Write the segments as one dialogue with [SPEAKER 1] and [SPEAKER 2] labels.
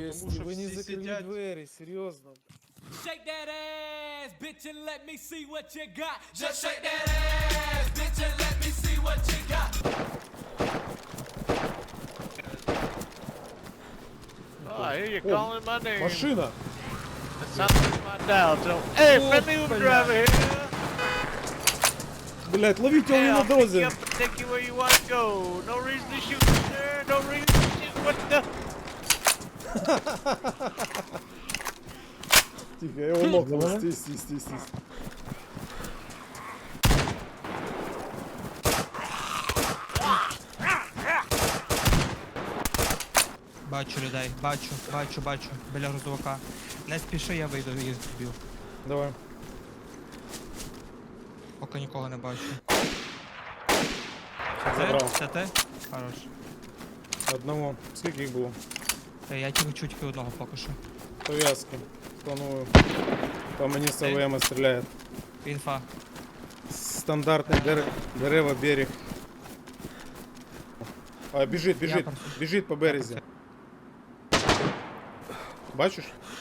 [SPEAKER 1] Єсть,
[SPEAKER 2] Тому що
[SPEAKER 1] ви не
[SPEAKER 2] всі
[SPEAKER 1] закрили
[SPEAKER 2] сидять.
[SPEAKER 1] двері, серйозно.
[SPEAKER 3] Shake that ass, bitch, and let me see what you got. Just shake that ass, bitch, and let me see what you got.
[SPEAKER 4] Oh, I hear you calling my name.
[SPEAKER 1] Машина!
[SPEAKER 4] That sounds like my dial tone. Hey, friendly Uber driver here.
[SPEAKER 1] Блять, ловите его
[SPEAKER 4] Hey,
[SPEAKER 1] на
[SPEAKER 4] I'll pick you
[SPEAKER 1] дрозе!
[SPEAKER 4] up and take you where you want to go. No reason to shoot, sir. No reason to shoot. What the?
[SPEAKER 1] Тихо, я его локнул. Стись.
[SPEAKER 5] Бачу людей, бачу, біля грузовика. Не спіши, я вийду і їх зб'ю.
[SPEAKER 1] Давай.
[SPEAKER 5] Поки нікого не бачу.
[SPEAKER 1] Забрав.
[SPEAKER 5] Це ти? Хорош.
[SPEAKER 1] Одного. Скільки їх було?
[SPEAKER 5] Я тільки одного поки що.
[SPEAKER 1] Пов'язки. Планую. По мені з АВМ стріляє.
[SPEAKER 5] Інфа.
[SPEAKER 1] Стандартний дерева берег. А, біжить
[SPEAKER 5] просто-
[SPEAKER 1] по березі. Бачиш?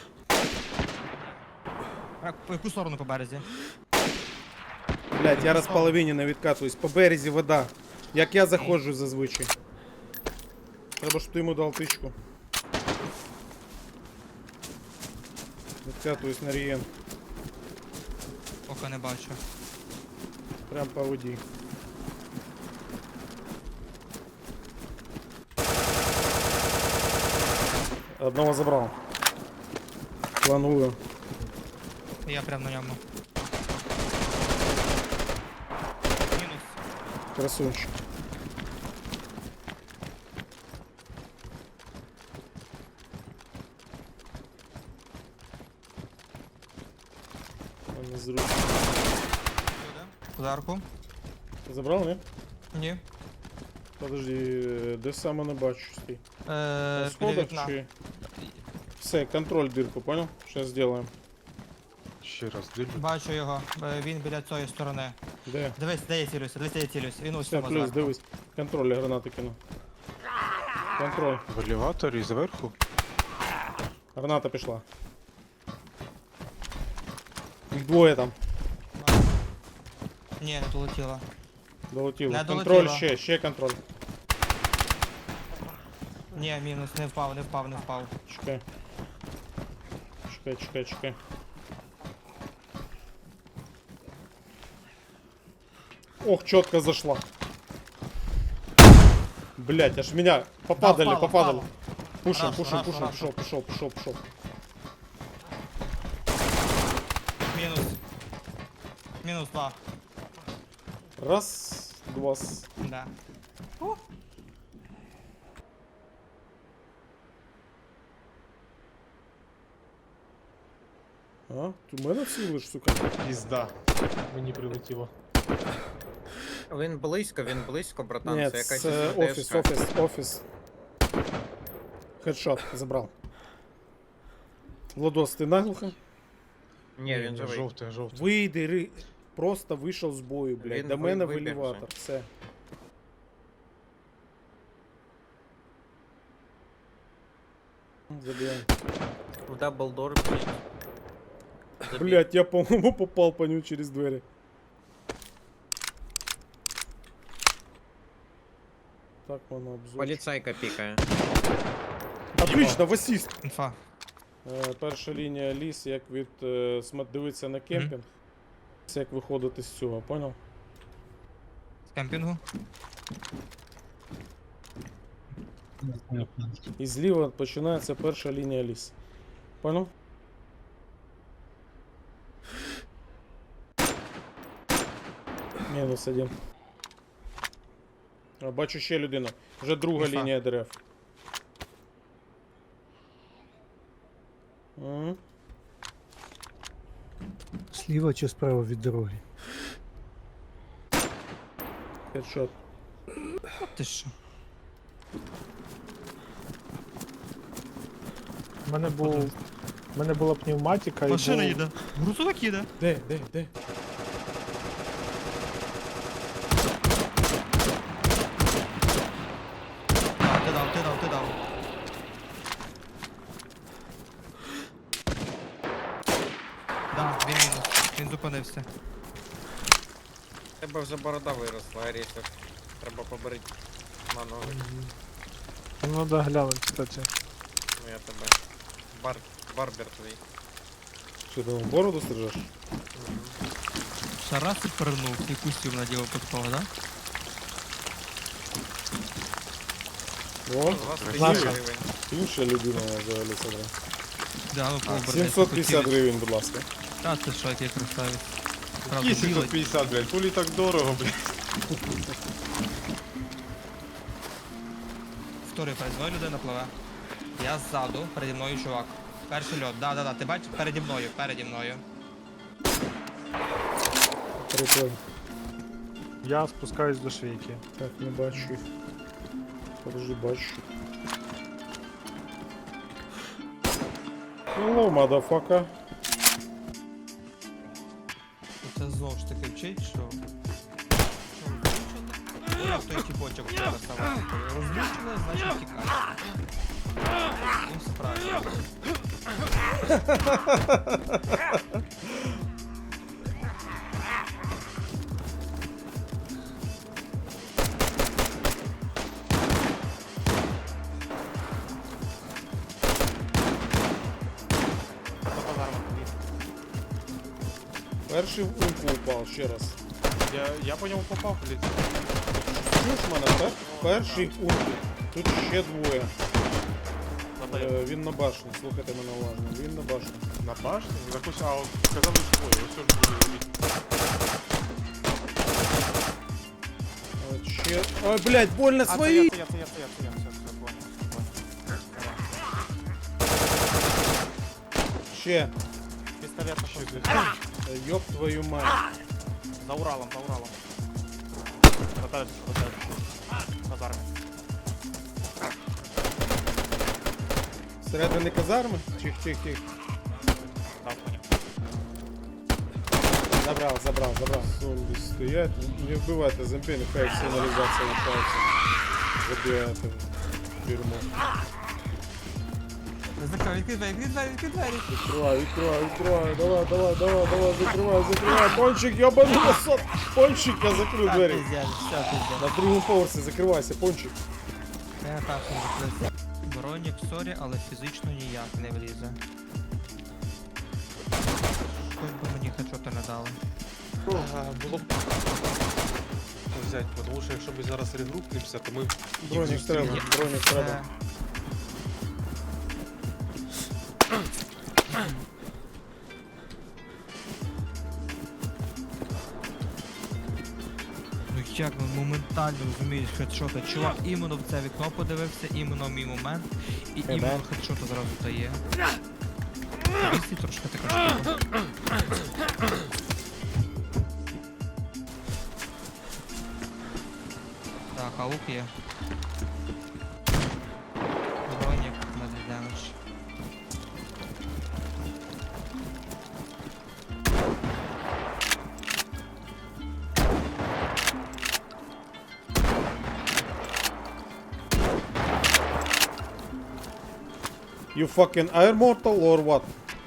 [SPEAKER 5] По яку сторону по березі?
[SPEAKER 1] Блять, я розполовинено відкатуюсь. По березі вода. Як я заходжу зазвичай. Треба, щоб ти йому дав тичку. Відкатуюсь на рієн.
[SPEAKER 5] Поки не бачу.
[SPEAKER 1] Прям по воді. Одного забрав. Планую.
[SPEAKER 5] Я прям на ньому. Мінус.
[SPEAKER 1] Красунчик. Не зручно.
[SPEAKER 5] Ударку.
[SPEAKER 1] Ти забрав, не?
[SPEAKER 5] Ні.
[SPEAKER 1] Подожди, де саме не бачу стій. На
[SPEAKER 5] Біля
[SPEAKER 1] сходах
[SPEAKER 5] вікна.
[SPEAKER 1] чи... Все, контроль дырку, понял? Сейчас сделаем.
[SPEAKER 2] Ще раз дивлю.
[SPEAKER 5] Бачу його. Він біля цієї сторони.
[SPEAKER 1] Де?
[SPEAKER 5] Дивись, де я цілюсь. Він ось
[SPEAKER 1] Все,
[SPEAKER 5] там
[SPEAKER 1] плюс,
[SPEAKER 5] зверху.
[SPEAKER 1] дивись. Контроль, я гранати кину. Контроль.
[SPEAKER 2] В елеваторі зверху.
[SPEAKER 1] Граната пішла. Їх двоє там.
[SPEAKER 5] Ні, не долетіло.
[SPEAKER 1] Долетіло.
[SPEAKER 5] Не
[SPEAKER 1] Контроль
[SPEAKER 5] долетіло.
[SPEAKER 1] ще контроль.
[SPEAKER 5] Ні, мінус, не впав.
[SPEAKER 1] Чекай. Чекай. Ох, четко зашла. Блять, аж меня попадали.
[SPEAKER 5] Впало.
[SPEAKER 1] Пушим,
[SPEAKER 5] Рашу.
[SPEAKER 1] пошел.
[SPEAKER 5] Мінус 2.
[SPEAKER 1] Раз, два.
[SPEAKER 5] Да.
[SPEAKER 1] А, ти мене цілиш, сука.
[SPEAKER 6] Пізда. Мені прилетіло.
[SPEAKER 7] Він близько, братан.
[SPEAKER 1] Ні,
[SPEAKER 7] це якась
[SPEAKER 1] це
[SPEAKER 7] СВДшка.
[SPEAKER 1] офіс. Хедшот, забрав. Владос, ти наглухо?
[SPEAKER 7] Ні, він живий.
[SPEAKER 6] Жовтий.
[SPEAKER 1] Вийди, просто вийшов з бою, блядь.
[SPEAKER 7] Він
[SPEAKER 1] До мене в
[SPEAKER 7] вибіг
[SPEAKER 1] елеватор, все. Забігаємо.
[SPEAKER 7] В даблдор, блядь.
[SPEAKER 1] Блядь, я, по-моему, попал по нему через двери. Так, вон обзор.
[SPEAKER 7] Поліцайка пікає.
[SPEAKER 1] Отлично, в асіст.
[SPEAKER 5] Інфа.
[SPEAKER 1] Перша лінія ліс, як від дивитися на кемпінг. Це як виходити з цього, понял?
[SPEAKER 5] З кемпінгу.
[SPEAKER 1] І зліва починається перша лінія ліс. Понял? Мінус один. Бачу ще людину. Вже друга
[SPEAKER 5] Інфа.
[SPEAKER 1] лінія дерев.
[SPEAKER 8] Зліва чи справа від дороги?
[SPEAKER 1] Хедшот.
[SPEAKER 5] Ти що?
[SPEAKER 6] У мене була пневматика
[SPEAKER 5] Машина
[SPEAKER 6] і
[SPEAKER 5] їде. Грузовик їде.
[SPEAKER 1] Де?
[SPEAKER 5] Ти дав. Да, він мінус. Він зупинився.
[SPEAKER 7] Тебе вже борода виросла, Арісик. Треба побрити на ноги.
[SPEAKER 6] Ну да, глянуть, кстати.
[SPEAKER 7] Ну я тебе. Барбер твій.
[SPEAKER 1] Що ти там бороду стрижеш?
[SPEAKER 5] Ще раз і пернув, і кустів надів випадково, да?
[SPEAKER 1] О,
[SPEAKER 7] 20
[SPEAKER 6] Наша.
[SPEAKER 7] тисяч гривень.
[SPEAKER 1] інша людина взагалі собрав.
[SPEAKER 5] Да, ну пообернись.
[SPEAKER 1] 750 гривень, будь ласка.
[SPEAKER 5] Та це що, який красавець. Правда,
[SPEAKER 2] Які
[SPEAKER 5] білий.
[SPEAKER 2] 750, блядь, пулі так дорого, блядь.
[SPEAKER 5] Вторий перед мною людина пливе. Я ззаду, переді мною чувак. Перший льот, да, ти бачиш? Переді мною.
[SPEAKER 1] Прикольно.
[SPEAKER 6] Я спускаюсь до швейки.
[SPEAKER 1] Так, не бачу їх. Подожди, бачу. Hello, motherfucker.
[SPEAKER 5] Це знову ж таки вчить, що... Ну, як той тіпочок вчора ставав. Розлючили, значить тікає. Ну, все правильно.
[SPEAKER 1] Перший в ульку упав, ще раз.
[SPEAKER 2] Я по ньому попав, блядь.
[SPEAKER 1] Чуєш мене, так? Перший в ульку. Тут ще двоє. Він на башні, слухайте мене уважно. Він на башні.
[SPEAKER 2] На башні? Якось, а, казали двоє, ось що ж буде.
[SPEAKER 1] Ще... Ой, блядь, больно свої!
[SPEAKER 4] Я, все, понял.
[SPEAKER 1] Ще.
[SPEAKER 4] Пистолет пошел.
[SPEAKER 1] Ёб твою мать.
[SPEAKER 4] За Уралом. Вот дальше. Казарме.
[SPEAKER 1] Всередині казарми? Тих.
[SPEAKER 4] Да, понял.
[SPEAKER 1] Забрал. Зомби стоять. Не вбивайте зомби, нехай сигналізація лишається. Забігайте в тюрму.
[SPEAKER 5] Закрой, відкрий двері.
[SPEAKER 1] Відкривай. Давай, закривай. Пончик, ёбаный насос. Пончик, я закрив двері.
[SPEAKER 5] Все, пиздец.
[SPEAKER 1] На другому поверсі закривайся, пончик.
[SPEAKER 5] Я першим закрився. Бронік, сорі, але фізично ніяк не влізе. Хоч би мені хедшота не дали.
[SPEAKER 2] Було б взяти, тому що якщо ми зараз регрупнемося, то ми...
[SPEAKER 1] Бронік треба.
[SPEAKER 5] Це... Ну як він моментально розумієш хедшота. Чувак іменно в це вікно подивився, іменно в мій момент, і іменно хедшота зразу дає. Вісті трошки така штука. Так, а лук є. Бронік на демедж.
[SPEAKER 1] You fucking Air Mortal or what?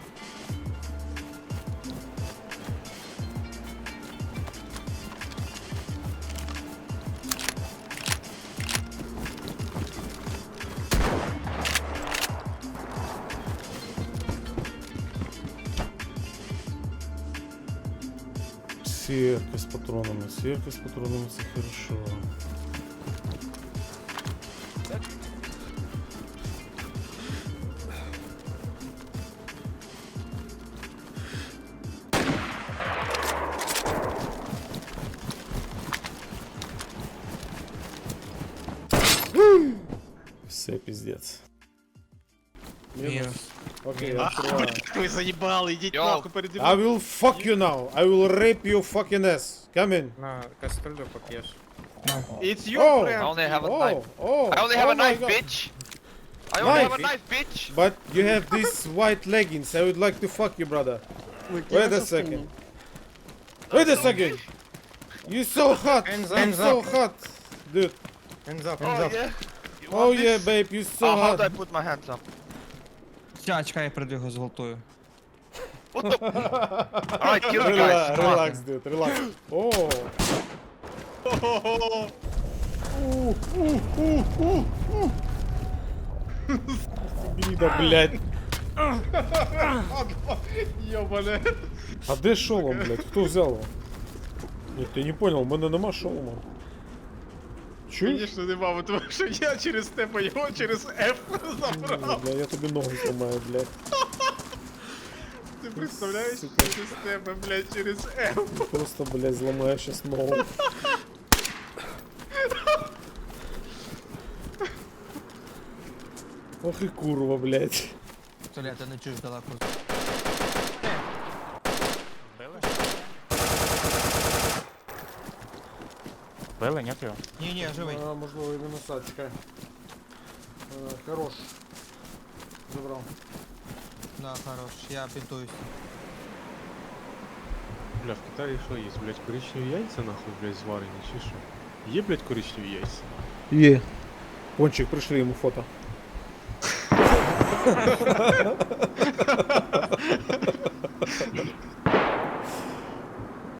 [SPEAKER 1] Сетка с патронами, це хорошо. Все, пиздец.
[SPEAKER 5] Мінус.
[SPEAKER 1] Окей, я открываю.
[SPEAKER 2] Ви заїбали, ідіть нахуй переді
[SPEAKER 1] I will fuck you now. I will rape your fucking ass. Come in.
[SPEAKER 7] На кастрюлю поп'єш.
[SPEAKER 2] It's your
[SPEAKER 1] Oh,
[SPEAKER 2] friend!
[SPEAKER 9] only have a
[SPEAKER 1] oh,
[SPEAKER 9] knife.
[SPEAKER 1] oh.
[SPEAKER 9] I only have
[SPEAKER 1] oh
[SPEAKER 9] a
[SPEAKER 1] my
[SPEAKER 9] knife,
[SPEAKER 1] God.
[SPEAKER 9] bitch. I only have a
[SPEAKER 1] Knife?
[SPEAKER 9] knife, bitch.
[SPEAKER 1] But you have these white leggings. I would like to fuck you, brother. Wait a second. Wait a second. You so hot.
[SPEAKER 7] Hands
[SPEAKER 1] I'm
[SPEAKER 7] up.
[SPEAKER 1] so hot, dude.
[SPEAKER 7] Hands up,
[SPEAKER 9] Oh
[SPEAKER 7] hands up.
[SPEAKER 9] yeah. You
[SPEAKER 1] Oh
[SPEAKER 9] want
[SPEAKER 1] yeah,
[SPEAKER 9] this?
[SPEAKER 1] babe. You so
[SPEAKER 9] How do I
[SPEAKER 1] hot.
[SPEAKER 9] put my hands up?
[SPEAKER 5] Чекай, я прийду його зґвалтую.
[SPEAKER 4] Alright, kill the guys. Come on.
[SPEAKER 1] Релакс, дед, релакс. О, гнида, блядь.
[SPEAKER 2] Ёбане.
[SPEAKER 1] А де шолом, блядь? Хто взяв його? Ні, ти не понял, у мене нема шолома. Чуєш?
[SPEAKER 2] Конечно, нема, тому що я через тебе його через F забрав.
[SPEAKER 1] Бля, я тобі ногу зламаю, блядь.
[SPEAKER 2] Ти представляєш?
[SPEAKER 1] Сука.
[SPEAKER 2] Через тебе, блядь, через F.
[SPEAKER 1] Просто, блядь, зламаю щас ногу. Ох і курва, блядь.
[SPEAKER 5] Толя, ти не чуєш далеко.
[SPEAKER 2] Били, нет його?
[SPEAKER 5] Ні, живий.
[SPEAKER 1] А, можливо, і мінуса, чекай. Хорош. Забрав.
[SPEAKER 5] Да, хорош, я бінтуюсь.
[SPEAKER 2] Бля, в Китаї що є, блядь, коричневі яйця нахуй, блядь, зварені, чи що? Є, блядь, коричневі яйця?
[SPEAKER 1] Є. Пончик, пришли йому фото.